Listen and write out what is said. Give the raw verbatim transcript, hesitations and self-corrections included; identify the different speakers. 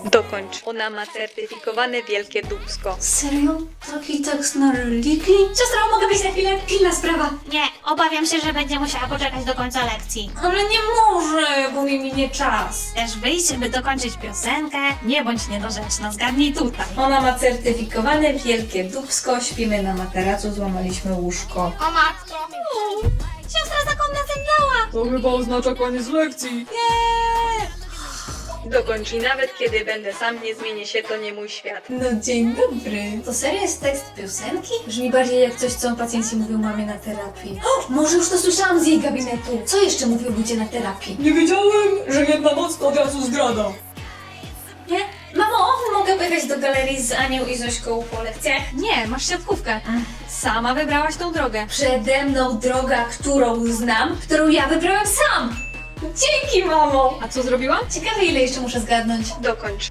Speaker 1: Dokończ. Ona ma certyfikowane wielkie dupsko.
Speaker 2: Serio? Taki tekst na religii? Siostra, mogę być na chwilę? Pilna sprawa.
Speaker 3: Nie, obawiam się, że będzie musiała poczekać do końca lekcji.
Speaker 2: Ale nie może, bo mi minie czas.
Speaker 3: Chcesz wyjść, by dokończyć piosenkę? Nie bądź niedorzeczna, zgadnij tutaj.
Speaker 2: Ona ma certyfikowane wielkie dupsko, śpimy na materacu, złamaliśmy łóżko.
Speaker 3: O matko! Siostra zakonna zemdlała!
Speaker 4: To chyba oznacza koniec lekcji.
Speaker 1: Dokończ i nawet kiedy będę sam, nie zmienię się, to nie mój świat.
Speaker 2: No dzień dobry. To serio jest tekst piosenki? Brzmi bardziej jak coś, co pacjenci mówią mamie na terapii. O, może już to słyszałam z jej gabinetu. Co jeszcze mówią ludzie na terapii?
Speaker 4: Nie wiedziałem, że jedna noc to od razu zdrada.
Speaker 2: Nie? Mamo, mogę pojechać do galerii z Anią i Zośką po lekcjach?
Speaker 1: Nie, masz siatkówkę. Sama wybrałaś tą drogę.
Speaker 2: Przede mną droga, którą znam, którą ja wybrałem sam. Dzięki, mamo.
Speaker 1: A co zrobiłam?
Speaker 2: Ciekawe, ile jeszcze muszę zgadnąć.
Speaker 1: Dokończ.